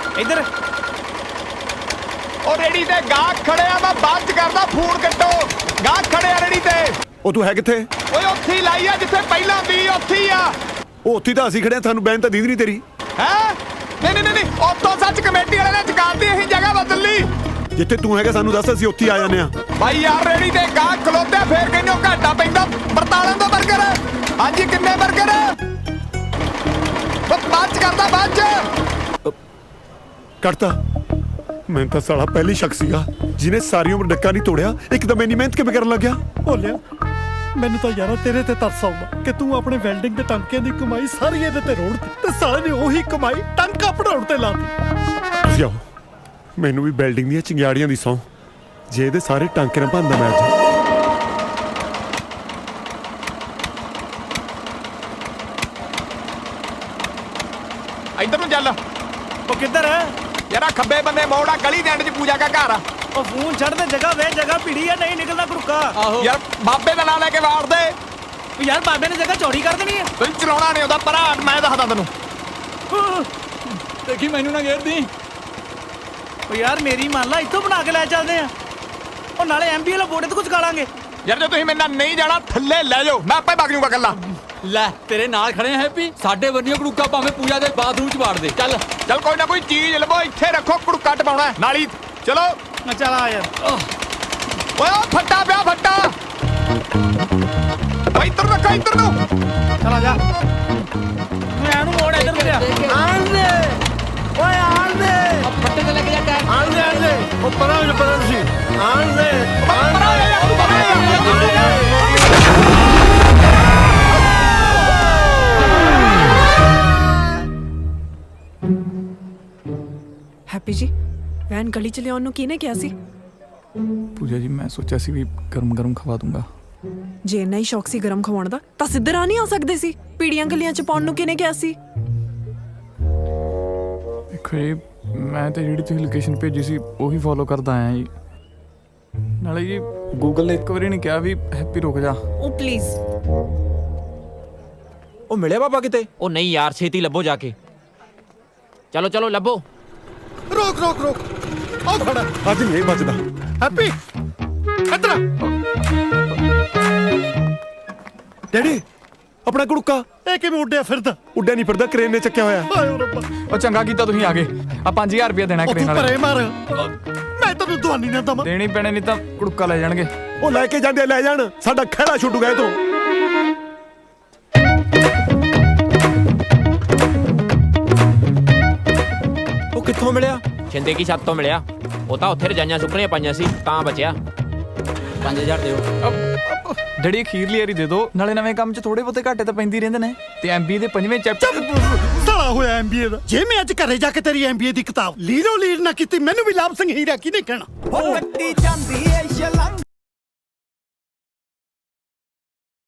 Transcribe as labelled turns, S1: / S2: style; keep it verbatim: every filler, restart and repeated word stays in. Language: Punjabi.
S1: ਇੱਧਰ
S2: ਉਹ ਰੇੜੀ ਤੇ ਗਾਹਕ ਖੜਿਆ, ਮੈਂ ਬਾਅਦ ਚ ਕਰਦਾ ਫੋਨ ਕੱਟੋ। ਗਾਹਕ ਖੜਿਆ ਰੇੜੀ ਤੇ।
S3: ਉਹ ਤੂੰ ਹੈ ਕਿੱਥੇ?
S2: ਓਏ ਉੱਥੇ ਹੀ ਲਾਈ ਆ ਜਿੱਥੇ ਪਹਿਲਾਂ ਦੀ, ਉੱਥੇ ਹੀ ਆ।
S3: ਉਹ ਉੱਥੇ ਤਾਂ ਅਸੀਂ ਖੜਿਆ, ਸਾਨੂੰ ਬੈਨ ਤਾਂ ਦੀਦੀ ਨਹੀਂ ਤੇਰੀ।
S2: ਹੈ ਨਹੀਂ ਨਹੀਂ ਨਹੀਂ, ਉੱਥੋਂ ਸੱਚ ਕਮੇਟੀ ਵਾਲੇ ਨੇ ਚਕਾਤੀ, ਅਸੀਂ ਜਗ੍ਹਾ ਬਦਲ ਲਈ।
S3: ਜਿੱਥੇ ਤੂੰ ਹੈਗਾ ਸਾਨੂੰ ਦੱਸ, ਅਸੀਂ ਉੱਥੇ ਹੀ ਆ ਜਾਂਦੇ ਆ।
S2: ਬਾਈ ਯਾਰ ਰੇੜੀ ਤੇ ਗਾਹਕ ਖਲੋਤੇ, ਫੇਰ ਕਹਿੰਦੇ ਉਹ ਘਾਟਾ ਪੈਂਦਾ। ਬਰਤਾਲਾਂ ਦਾ ਬਰਗਰ ਹਾਂਜੀ, ਕਿੰਨੇ ਬਰਗਰ? ਬਾਅਦ ਚ ਕਰਦਾ, ਬਾਅਦ ਚ
S3: ਕੱਟਤਾ। ਮੈਂ ਤਾਂ ਸਾਲਾ ਪਹਿਲੀ ਸ਼ਖਸ ਸੀਗਾ ਜਿਹਨੇ ਸਾਰੀ ਉਮਰ ਡੱਕਾ ਨਹੀਂ ਤੋੜਿਆ, ਇੱਕਦਮ ਇੰਨੀ ਮਿਹਨਤ ਕਿਵੇਂ ਕਰਨ ਲੱਗਿਆ?
S4: ਭੋਲਿਆ ਮੈਨੂੰ ਤਾਂ ਯਾਰਾ ਤੇਰੇ ਤੇ ਤਰਸ ਆਉਂਦਾ ਕਿ ਤੂੰ ਆਪਣੇ ਵੈਲਡਿੰਗ ਦੇ ਟਾਂਕਿਆਂ ਦੀ ਕਮਾਈ ਸਾਰੀ ਇਹਦੇ ਤੇ ਰੋੜ ਦਿੱਤੀ ਤੇ ਸਾਲੇ ਨੇ ਉਹੀ ਕਮਾਈ ਟਾਂਕਾ ਪੜਾਉਣ ਤੇ ਲਾ ਦਿੱਤੀ।
S3: ਤੁਸੀਂ ਆਓ, ਮੈਨੂੰ ਵੀ ਬਿਲਡਿੰਗ ਦੀਆਂ ਚਿੰਗਾੜੀਆਂ ਦੀ ਸੌਂ, ਜੇ ਇਹਦੇ ਸਾਰੇ ਟਾਂਕੇ ਨਾ ਭੰਦਾ ਮੈਂ ਅੱਜ।
S2: ਇੱਧਰ ਨੂੰ ਚੱਲ।
S1: ਉਹ ਕਿੱਧਰ ਹੈ
S2: ਯਾਰਾ ਖੱਬੇ ਬੰਨੇ ਮੋੜਾ, ਗਲੀ ਦੇ ਐਂਡ 'ਚ ਪੂਜਾ ਦਾ ਘਰ ਆ।
S1: ਉਹ ਫੋਨ ਛੱਡ ਦੇ, ਜਗ੍ਹਾ ਵੇ ਜਗ੍ਹਾ ਭੀੜੀ ਆ, ਨਹੀਂ ਨਿਕਲਦਾ ਕੁੜਕਾ। ਆਹੋ
S2: ਯਾਰ ਬਾਬੇ ਦਾ ਨਾਂ ਲੈ ਕੇ ਵਾੜ ਦੇ।
S1: ਉਹ ਯਾਰ ਬਾਬੇ ਨੇ ਜਗ੍ਹਾ ਚੌੜੀ ਕਰ ਦੇਣੀ ਹੈ।
S2: ਤੈਨੂੰ ਚਲਾਉਣਾ ਨਹੀਂ ਉਹਦਾ ਪਰਾ, ਮੈਂ ਦੱਸਦਾ ਤੈਨੂੰ।
S1: ਦੇਖੀ ਮੈਨੂੰ ਨਾ ਘੇਰਦੀ। ਉਹ ਯਾਰ ਮੇਰੀ ਮੰਨ ਲਾ, ਇੱਥੋਂ ਬਣਾ ਕੇ ਲੈ ਚੱਲਦੇ ਆ। ਉਹ ਨਾਲੇ ਐਮਬੀ ਵਾਲਾ ਬੋਰਡ ਤੇ ਕੁਝ ਖਾ ਲਾਂਗੇ।
S2: ਯਾਰ ਜੇ ਤੁਸੀਂ ਮੇਰੇ ਨਾਲ ਨਹੀਂ ਜਾਣਾ ਥੱਲੇ ਲੈ ਜਾਓ, ਮੈਂ ਆਪੇ ਵਗ ਜੂਗਾ ਇਕੱਲਾ।
S5: ਲੈ ਤੇਰੇ ਨਾਲ ਖੜੇ ਆ ਹੈਪੀ, ਸਾਡੇ ਵਰਨੀਓ ਕੜੂਕਾ ਭਾਵੇਂ ਪੂਜਾ ਦੇ ਬਾਥਰੂਮ ਚ ਵਾੜ ਦੇ। ਚੱਲ
S2: ਚੱਲ ਕੋਈ ਨਾ ਕੋਈ ਚੀਜ਼ ਲਵੋ, ਇੱਥੇ ਰੱਖੋ, ਕੁੜਕਾ ਟਪਾਉਣਾ ਨਾਲੀ। ਚਲੋ
S1: ਨਾ ਚੱਲ ਆ ਯਾਰ।
S2: ਓਏ ਉਹ ਫੱਟਾ ਪਿਆ, ਫੱਟਾ। ਓਏ ਇੱਧਰ ਰੱਖੋ, ਇੱਧਰ ਨੂੰ।
S1: ਚਲ ਆ ਜਾ। ਮੈਂ ਇਹਨੂੰ ਮੋੜ ਇੱਧਰ ਨੂੰ ਲਿਆ।
S4: ਆਣ ਦੇ ਓਏ ਆਣ ਦੇ
S5: ਫੱਟੇ ਤੇ ਲੱਗ ਜਾ ਟਾਇਰ।
S4: ਆਣ ਦੇ ਆਣ ਦੇ ਉਹ ਪਰਾਂ ਹੋ ਜਾ, ਪਰਾਂ ਤੁਸੀਂ ਆਣ ਦੇ
S2: ਪਰਾਂ ਹੋ ਜਾ ਯਾਰ, ਤੂੰ ਪਰਾਂ ਹੋ ਜਾ।
S6: ਹੈਪੀ ਜੀ, ਵੈਨ ਗਲੀ ਚ ਲਿਆਉਣ ਨੂੰ ਕਿਹਨੇ ਕਿਹਾ ਸੀ?
S7: ਪੂਜਾ ਜੀ ਮੈਂ ਸੋਚਿਆ ਸੀ ਵੀ ਗਰਮ ਗਰਮ ਖਵਾ ਦੂੰਗਾ।
S6: ਜੇ ਇੰਨਾ ਹੀ ਸ਼ੌਕ ਸੀ ਗਰਮ ਖਵਾਉਣ ਦਾ ਤਾਂ ਸਿੱਧਰ ਆ ਨਹੀਂ ਆ ਸਕਦੇ ਸੀ? ਪੀੜੀਆਂ ਗਲੀਆਂ ਚ ਪਾਉਣ ਨੂੰ ਕਿਹਨੇ ਕਿਹਾ ਸੀ?
S7: ਦੇਖੋ ਜੀ, ਮੈਂ ਤਾਂ ਜਿਹੜੀ ਤੁਸੀਂ ਲੋਕੇਸ਼ਨ ਭੇਜੀ ਸੀ ਉਹੀ ਫੋਲੋ ਕਰਦਾ ਆਇਆ ਜੀ। ਨਾਲੇ ਜੀ ਗੂਗਲ ਨੇ ਇੱਕ ਵਾਰੀ ਨਹੀਂ ਕਿਹਾ ਵੀ ਹੈਪੀ ਰੁਕ ਜਾ।
S6: ਉਹ ਪਲੀਜ਼।
S8: ਉਹ ਮਿਲਿਆ ਬਾਬਾ ਕਿਤੇ?
S5: ਉਹ ਨਹੀਂ ਯਾਰ, ਛੇਤੀ ਲੱਭੋ ਜਾ ਕੇ। ਚਲੋ ਚਲੋ ਲੱਭੋ।
S4: ਰੋਕ ਰੋਕ ਰੋਕ, ਉਹ ਖੜਾ
S3: ਅੱਜ ਨਹੀਂ ਬਚਦਾ।
S4: ਹੈਪੀ ਇੱਧਰ ਆ।
S3: ਡੈਡੀ ਆਪਣਾ ਕੁੜਕਾ
S4: ਇਹ ਕਿਵੇਂ ਉੱਡਿਆ ਫਿਰਦਾ?
S3: ਉੱਡਿਆ ਨਹੀਂ ਫਿਰਦਾ, ਕਰੇਨ ਨੇ ਚੱਕਿਆ ਹੋਇਆ।
S4: ਹਾਏ ਰੱਬਾ,
S7: ਉਹ ਚੰਗਾ ਕੀਤਾ ਤੁਸੀਂ ਆ ਗਏ। ਆ ਪੰਜ ਹਜ਼ਾਰ ਰੁਪਇਆ ਦੇਣਾ
S4: ਉਹ
S7: ਕਰੇਨ
S4: ਤੂੰ
S7: ਵਾਲੇ।
S4: ਪਰੇ ਮਾਰ, ਮੈਂ ਤੈਨੂੰ ਦਵਾਨੀ ਨਾ ਦਵਾਂ।
S7: ਦੇਣੀ ਪੈਣੇ, ਨਹੀਂ ਤਾਂ ਕੁੜਕਾ ਲੈ ਜਾਣਗੇ।
S3: ਉਹ ਲੈ ਕੇ ਜਾਂਦੇ ਲੈ ਜਾਣ, ਸਾਡਾ ਖਹਿੜਾ ਛੁੱਟੂਗਾ ਇਹ ਤੋਂ।
S8: ਉਹ ਕਿੱਥੋਂ ਮਿਲਿਆ?
S5: ਛਿੰਦੇ ਕੀ ਛੱਤ ਤੋਂ ਮਿਲਿਆ। ਉਹ ਤਾਂ ਉੱਥੇ ਰਜਾਈਆਂ ਸੁੱਕਣੀਆਂ ਪਾਈਆਂ ਸੀ ਤਾਂ ਬਚਿਆ। ਪੰਜ ਹਜ਼ਾਰ ਦਿਓ।
S7: ਡੈਡੀ ਅਖੀਰਲੀ ਵਾਰੀ ਦੇ ਦਿਓ, ਨਾਲੇ ਨਵੇਂ ਕੰਮ 'ਚ ਥੋੜੇ ਬਹੁਤੇ ਘਾਟੇ ਤਾਂ ਪੈਂਦੀ ਰਹਿੰਦੇ ਨੇ। ਤੇ ਐਮਬੀਏ ਦੇ ਪੰਜਵੇਂ ਚੈਪਟਰ
S4: ਸਾਲਾ ਹੋਇਆ ਐਮਬੀਏ ਦਾ। ਜੇ ਮੈਂ ਅੱਜ ਘਰੇ ਜਾ ਕੇ ਤੇਰੀ ਐਮਬੀਏ ਦੀ ਕਿਤਾਬ ਲੀਰੋ ਲੀਰ ਨਾ ਕੀਤੀ, ਮੈਨੂੰ ਵੀ ਲਾਭ ਸਿੰਘ ਹੀਰਾ ਕਿਹਨੇ ਕਹਿਣਾ?
S1: ਉਹ ਕੱਟੀ ਜਾਂਦੀ ਏ ਸ਼ਲੰਗ